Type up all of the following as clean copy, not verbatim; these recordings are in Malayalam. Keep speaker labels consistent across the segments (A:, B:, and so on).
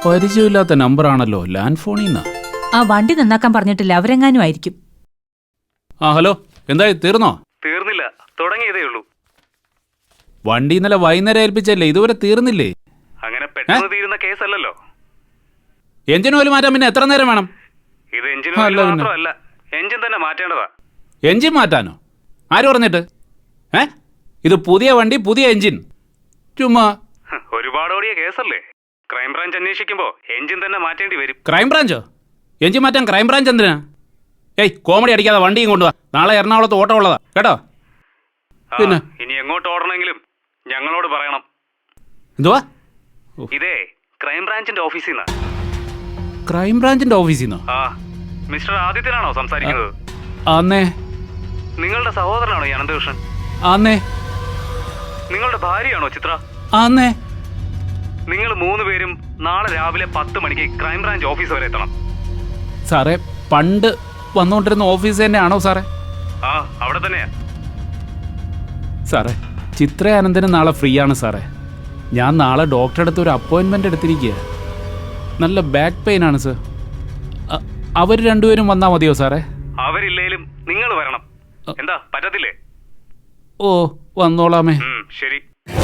A: പരിചയമില്ലാത്ത നമ്പറാണല്ലോ, ലാൻഡ് ഫോണിൽ നിന്നാ.
B: ആ വണ്ടി നന്നാക്കാൻ പറഞ്ഞിട്ടില്ല, അവരെങ്ങാനും ആയിരിക്കും.
A: ആ ഹലോ, എന്തായി തീർന്നോ?
C: തീർന്നില്ല, തുടങ്ങിയതേ ഉള്ളൂ.
A: വണ്ടി ഇന്നലെ വൈകുന്നേരം ഏൽപ്പിച്ചല്ലേ, ഇതുവരെ തീർന്നില്ലേ?
C: അങ്ങനെ പെട്ടെന്ന് തീരുന്ന കേസല്ലല്ലോ.
A: എഞ്ചിൻ ഓയിൽ മാറ്റാൻ പിന്നെ എത്ര നേരം വേണം?
C: ഇത് എഞ്ചിൻ ഓയിൽ മാത്രമല്ല, എഞ്ചിൻ തന്നെ മാറ്റേണ്ടതാ.
A: എഞ്ചിൻ മാറ്റാനോ? ആര് പറഞ്ഞിട്ട്? ഇത് പുതിയ വണ്ടി, പുതിയ എഞ്ചിൻ. ചുമ്മാ
C: ഒരുപാട് ഓടിയ കേസല്ലേ. ക്രൈംബ്രാഞ്ച് അന്വേഷിക്കുമ്പോ എഞ്ചിൻ തന്നെ മാറ്റേണ്ടി വരും.
A: ക്രൈംബ്രാഞ്ചോ? എഞ്ചിൻ മാറ്റാൻ ക്രൈംബ്രാഞ്ച് എന്തിനാ? കോമഡി അടിക്കാതെ വണ്ടിയും കൊണ്ടുവാ. നാളെ എറണാകുളത്ത് ഓട്ടം ഉള്ളതാ കേട്ടോ. പിന്നെ
C: ഇനി എങ്ങോട്ട് ഓടണമെങ്കിലും ഞങ്ങളോട് പറയണം.
A: എന്തുവാ?
C: ഇതേ ക്രൈംബ്രാഞ്ചിന്റെ ഓഫീസിൽ നിന്നാ.
A: ക്രൈംബ്രാഞ്ചിന്റെ ഓഫീസിൽ നിന്നോ?
C: മിസ്റ്റർ ആദിത്യനാണോ സംസാരിക്കുന്നത്?
A: ആന്നേ.
C: നിങ്ങളുടെ സഹോദരനാണോ ഈ അനന്തകൃഷ്ണൻ?
A: ആന്നേ.
C: നിങ്ങളുടെ ഭാര്യയാണോ ചിത്ര?
A: ആന്നേ.
C: നിങ്ങൾ 3 പേരും നാളെ രാവിലെ 10 മണിക്ക് ക്രൈംബ്രാഞ്ച് ഓഫീസ് വരെ എത്തണം.
A: സാറേ, പണ്ട് വന്നുകൊണ്ടിരുന്ന ഓഫീസ് തന്നെയാണോ സാറേ?
C: അവിടെ തന്നെയാ
A: സാറേ. ചിത്ര അനന്തന് നാളെ ഫ്രീ ആണ് സാറേ. ഞാൻ നാളെ ഡോക്ടറെ അടുത്ത് ഒരു അപ്പോയിൻമെൻ്റ് എടുത്തിരിക്കുക. നല്ല ബാക്ക് പെയിൻ ആണ് സാർ. അവർ രണ്ടുപേരും വന്നാൽ മതിയോ സാറേ?
C: അവരില്ലേലും നിങ്ങൾ വരണം. എന്താ പറ്റത്തില്ലേ?
A: ഓ, വന്നോളാമേ.
C: ശരി.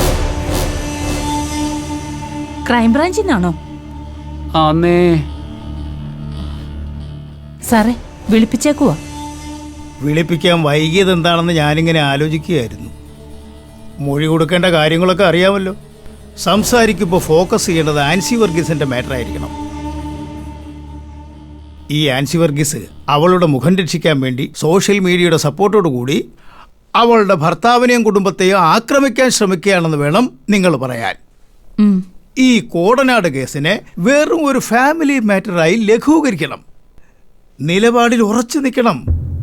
B: ക്രൈംബ്രാഞ്ചിൽ നിന്നാണോ?
A: ആന്നേ.
B: സാറേ, വിളിപ്പിച്ചേക്കുവാ.
D: വിളിപ്പിക്കാൻ വൈകിയത് എന്താണെന്ന് ഞാനിങ്ങനെ ആലോചിക്കുകയായിരുന്നു. മൊഴി കൊടുക്കേണ്ട കാര്യങ്ങളൊക്കെ അറിയാമല്ലോ. സംസാരിക്കുമ്പോൾ ഫോക്കസ് ചെയ്യേണ്ടത് ആൻസി വർഗീസിന്റെ മാറ്റർ ആയിരിക്കണം. ഈ ആൻസി വർഗീസ് അവളുടെ മുഖം രക്ഷിക്കാൻ വേണ്ടി സോഷ്യൽ മീഡിയയുടെ സപ്പോർട്ടോടു കൂടി അവളുടെ ഭർത്താവിനെയും കുടുംബത്തെയും ആക്രമിക്കാൻ ശ്രമിക്കുകയാണെന്ന് വേണം നിങ്ങൾ പറയാൻ. ഈ കോടനാട് കേസിനെ വെറും ഒരു ഫാമിലി മാറ്ററായി ലഘൂകരിക്കണം. നിലപാടിൽ ഉറച്ചു നിൽക്കണം.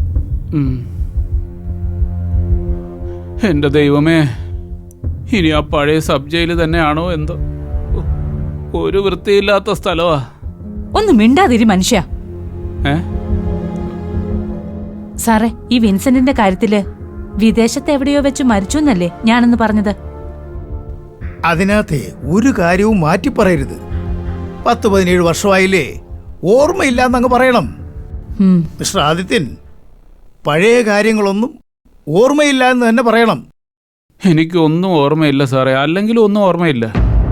A: എന്റെ ദൈവമേ, ഇനി ആ പഴയ സബ് ജയില് തന്നെയാണോ എന്തോ. ഒരു വൃത്തിയില്ലാത്ത സ്ഥലമാ.
B: ഒന്ന് മിണ്ടാതിരി മനുഷ്യ. സാറേ, ഈ വിൻസെന്റിന്റെ കാര്യത്തില് വിദേശത്ത് എവിടെയോ വെച്ച് മരിച്ചു എന്നല്ലേ ഞാനെന്ന് പറഞ്ഞത്?
D: അതിനകത്തെ ഒരു കാര്യവും മാറ്റി പറയരുത്. 10-17 വർഷമായില്ലേ, ഓർമ്മയില്ലാന്നങ്ങ് പറയണം. മിസ്റ്റർ ആദിത്യൻ, പഴയ കാര്യങ്ങളൊന്നും ഓർമ്മയില്ല എന്ന് തന്നെ പറയണം.
A: എനിക്കൊന്നും ഓർമ്മയില്ല സാറേ, അല്ലെങ്കിലും ഒന്നും ഓർമ്മയില്ല.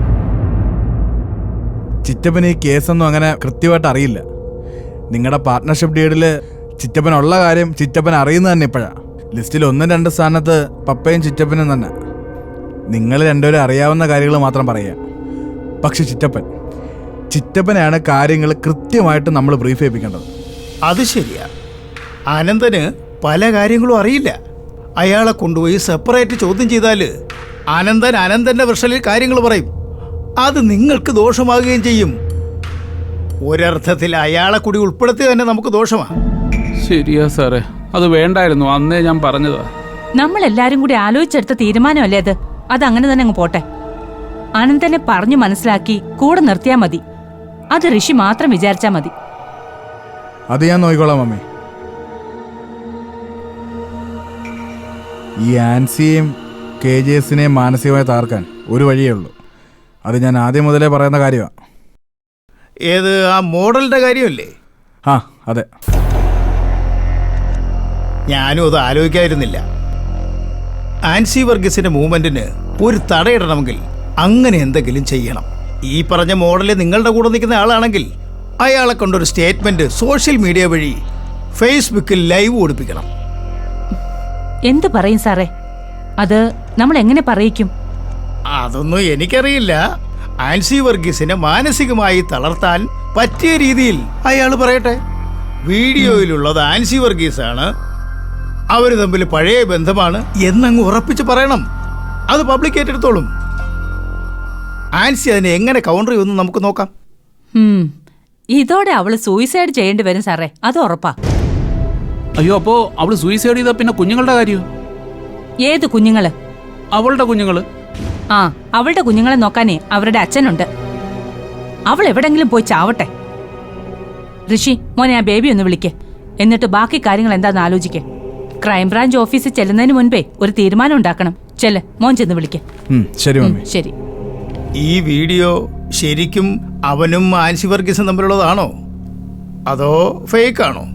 E: ചിറ്റപ്പന് ഈ കേസൊന്നും അങ്ങനെ കൃത്യമായിട്ട് അറിയില്ല. നിങ്ങളുടെ പാർട്ട്ണർഷിപ്പ് ഡീഡിൽ ചിറ്റപ്പനുള്ള കാര്യം ചിറ്റപ്പൻ അറിയുന്നത് തന്നെ ഇപ്പോഴാണ്. ലിസ്റ്റിൽ 1-2 സ്ഥാനത്ത് പപ്പയും ചിറ്റപ്പനും തന്നെ. നിങ്ങൾ രണ്ടുപേരും അറിയാവുന്ന കാര്യങ്ങൾ മാത്രം പറയുക. പക്ഷെ ചിറ്റപ്പനെയാണ് കാര്യങ്ങൾ കൃത്യമായിട്ട് നമ്മൾ ബ്രീഫ് ചെയ്യിപ്പിക്കേണ്ടത്.
D: അത് ശരിയാ. അനന്തന് പല കാര്യങ്ങളും അറിയില്ല. അയാളെ കൊണ്ടുപോയി സെപ്പറേറ്റ് ചോദ്യം ചെയ്താൽ അനന്തന്റെ വെർഷനിൽ കാര്യങ്ങൾ പറയും. അത് നിങ്ങൾക്ക് ദോഷമാകുകയും ചെയ്യും. ഒരർത്ഥത്തിൽ അയാളെ കൂടി ഉൾപ്പെടുത്തി തന്നെ നമുക്ക് ദോഷമാണ്.
A: ശരിയാ സാറേ, അത് വേണ്ടായിരുന്നു. അന്നേ ഞാൻ പറഞ്ഞതാ.
B: നമ്മളെല്ലാരും കൂടി ആലോചിച്ചെടുത്ത തീരുമാനമല്ലേ അത്. അതങ്ങനെ തന്നെ അങ്ങ് പോട്ടെ. അനന്തനെ പറഞ്ഞു മനസ്സിലാക്കി കൂടെ നിർത്തിയാ മതി. അത് ഋഷി മാത്രം വിചാരിച്ചാ മതി.
E: അത് ഞാൻ നോക്കിക്കോളാം മമ്മി. ഈ ആൻസിയെയും KJSനെയും മാനസികമായി തകർക്കാൻ ഒരു വഴിയേ ഉള്ളൂ. അത് ഞാൻ ആദ്യം മുതലേ പറയുന്ന കാര്യമാണ്.
D: ഏത്, ആ മോഡലിന്റെ കാര്യമല്ലേ?
E: അതെ.
D: ഞാനും അത് ആലോചിക്കായിരുന്നില്ല. ആൻസി വർഗീസിന്റെ മൂവ്മെന്റിന് ഒരു തടയിടണമെങ്കിൽ അങ്ങനെ എന്തെങ്കിലും ചെയ്യണം. ഈ പറഞ്ഞ മോഡല് നിങ്ങളുടെ കൂടെ നിൽക്കുന്ന ആളാണെങ്കിൽ അയാളെ കൊണ്ടൊരു സ്റ്റേറ്റ്മെന്റ് സോഷ്യൽ മീഡിയ വഴി ഫേസ്ബുക്കിൽ ലൈവ് ഓടിപ്പിക്കണം.
B: എന്തു പറയും സാറേ? അത് നമ്മൾ എങ്ങനെ പറയിക്കും?
D: അതൊന്നും എനിക്കറിയില്ല. ആൻസി വർഗീസിനെ മാനസികമായി തളർത്താൻ പറ്റിയ രീതിയിൽ അയാൾ പറയട്ടെ. വീഡിയോയിലുള്ളത് ആൻസി വർഗീസാണ്, അവര് തമ്മിൽ പഴയ ബന്ധമാണ് എന്നങ്ങ് ഉറപ്പിച്ച് പറയണം. അത് പബ്ലിക് ഏറ്റെടുത്തോളും. ആൻസി അതിനെ എങ്ങനെ കൗണ്ടർ ചെയ്യുമെന്ന് നമുക്ക് നോക്കാം.
B: ഇതോടെ അവള് സൂയിസൈഡ് ചെയ്യേണ്ടി വരും സാറേ, അത് ഉറപ്പാ.
A: അയ്യോ, അപ്പോ അവള് സൂയിസൈഡ് ചെയ്താ പിന്നെ കുഞ്ഞുങ്ങളുടെ കാര്യോ?
B: ഏത് കുഞ്ഞുങ്ങള്?
A: അവളുടെ കുഞ്ഞുങ്ങള്.
B: അവളുടെ കുഞ്ഞുങ്ങളെ നോക്കാനേ അവരുടെ അച്ഛനുണ്ട്. അവൾ എവിടെങ്കിലും പോയി ചാവട്ടെ. ഋഷി, മോനെ ആ ബേബി ഒന്ന് വിളിക്ക്. എന്നിട്ട് ബാക്കി കാര്യങ്ങൾ എന്താന്ന് ആലോചിക്കേ. ക്രൈംബ്രാഞ്ച് ഓഫീസിൽ ചെല്ലുന്നതിന് മുൻപേ ഒരു തീരുമാനം ഉണ്ടാക്കണം. ചെല്ല്, മോൻ ചെന്ന് വിളിക്ക്.
E: ശരി മമ്മി.
B: ശരി.
D: ഈ വീഡിയോ ശരിക്കും അവനും ആൻസി വർഗീസും തമ്മിലുള്ളതാണോ അതോ ഫേക്കാണോ?